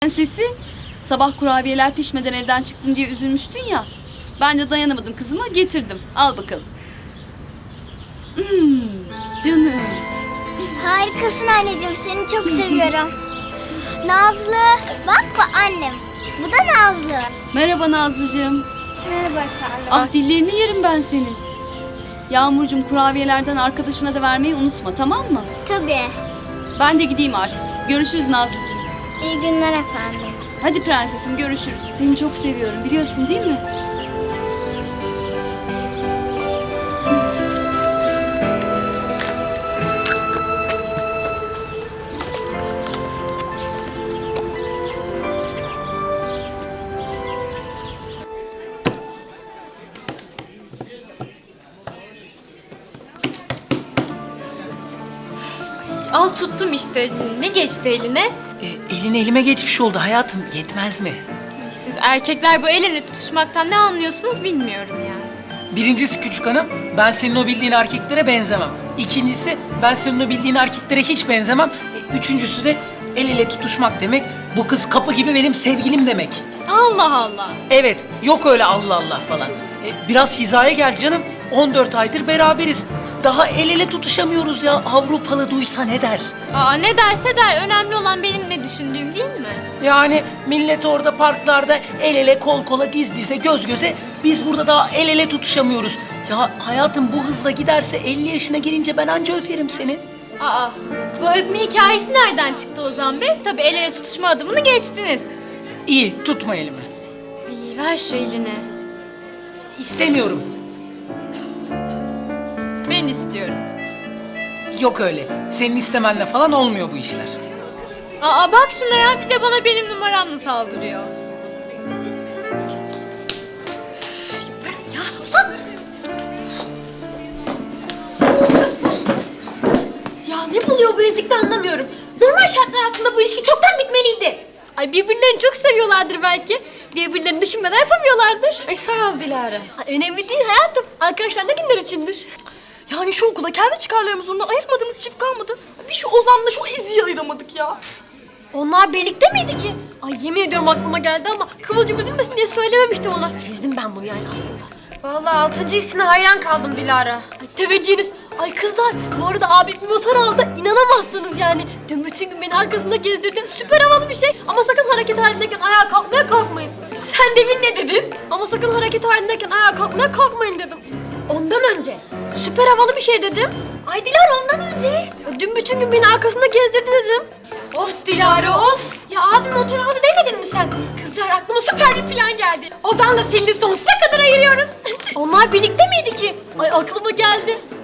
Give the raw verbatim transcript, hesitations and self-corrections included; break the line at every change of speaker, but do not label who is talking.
Prensesi, sabah kurabiyeler pişmeden evden çıktın diye üzülmüştün ya. Ben de dayanamadım kızıma, getirdim. Al bakalım. Hmm, canım.
Harikasın anneciğim, seni çok seviyorum. Nazlı, bak bu annem. Bu da Nazlı.
Merhaba Nazlıcığım.
Merhaba efendim.
Ah dillerini yerim ben senin. Yağmurcuğum, kurabiyelerden arkadaşına da vermeyi unutma, tamam mı?
Tabii.
Ben de gideyim artık. Görüşürüz Nazlıcığım.
İyi günler efendim.
Hadi prensesim, görüşürüz. Seni çok seviyorum, biliyorsun değil mi?
Al tuttum işte. Ne geçti eline?
E, elin elime geçmiş oldu hayatım. Yetmez mi?
Siz erkekler bu el ele tutuşmaktan ne anlıyorsunuz bilmiyorum yani.
Birincisi küçük hanım, ben senin o bildiğin erkeklere benzemem. İkincisi, ben senin o bildiğin erkeklere hiç benzemem. E, üçüncüsü de el ele tutuşmak demek, bu kız kapı gibi benim sevgilim demek.
Allah Allah.
Evet, yok öyle Allah Allah falan. E, biraz hizaya gel canım. on dört aydır beraberiz. Daha el ele tutuşamıyoruz ya. Avrupalı duysa ne der?
Aa, ne derse der. Önemli olan benim ne düşündüğüm değil mi?
Yani millet orada parklarda el ele, kol kola, diz dize, göz göze. Biz burada daha el ele tutuşamıyoruz. Ya hayatım bu hızla giderse elli yaşına gelince ben anca öperim seni.
Aa, bu öpme hikayesi nereden çıktı Ozan Bey? Tabii el ele tutuşma adımını geçtiniz.
İyi, tutma elimi.
İyi, ver şu elini.
İstemiyorum.
Ben istiyorum.
Yok öyle. Senin istemenle falan olmuyor bu işler.
Aa, bak şuna ya. Bir de bana benim numaramla saldırıyor.
Ya Ozan! Ya ne buluyor bu ezikte anlamıyorum. Normal şartlar altında bu ilişki çoktan bitmeliydi.
Ay birbirlerini çok seviyorlardır belki. Birbirlerini düşünmeden yapamıyorlardır.
Ay sağ ol Dilara.
Ay, önemli değil hayatım. Arkadaşlar ne günler içindir.
Yani şu okulda kendi çıkarlarımızdan ayırmadığımız çift kalmadı. Bir şu Ozan'la şu Ezi'yi ayıramadık ya.
Onlar birlikte miydi ki? Ay yemin ediyorum aklıma geldi ama Kıvılcım üzülmesin diye söylememiştim ona. Sezdim ben bunu yani aslında.
Vallahi altıncı hissine hayran kaldım Dilara.
Ay teveccühünüz. Ay kızlar bu arada abim bir motor aldı. İnanamazsınız yani. Dün bütün gün beni arkasında gezdirdin. Süper havalı bir şey. Ama sakın hareket halindeyken ayağa kalkmaya kalkmayın.
Sen demin ne dedin?
Ama sakın hareket halindeyken ayağa kalkmaya kalkmayın dedim.
Ondan önce.
Süper havalı bir şey dedim.
Ay Dilara ondan önce.
Dün bütün gün beni arkasında gezdirdi dedim.
Of Dilara of. Ya abim motor aldı demedin mi sen? Kızlar aklıma süper bir plan geldi. Ozan'la Selin'i sonsuza kadar ayırıyoruz.
Onlar birlikte miydi ki? Ay aklıma geldi.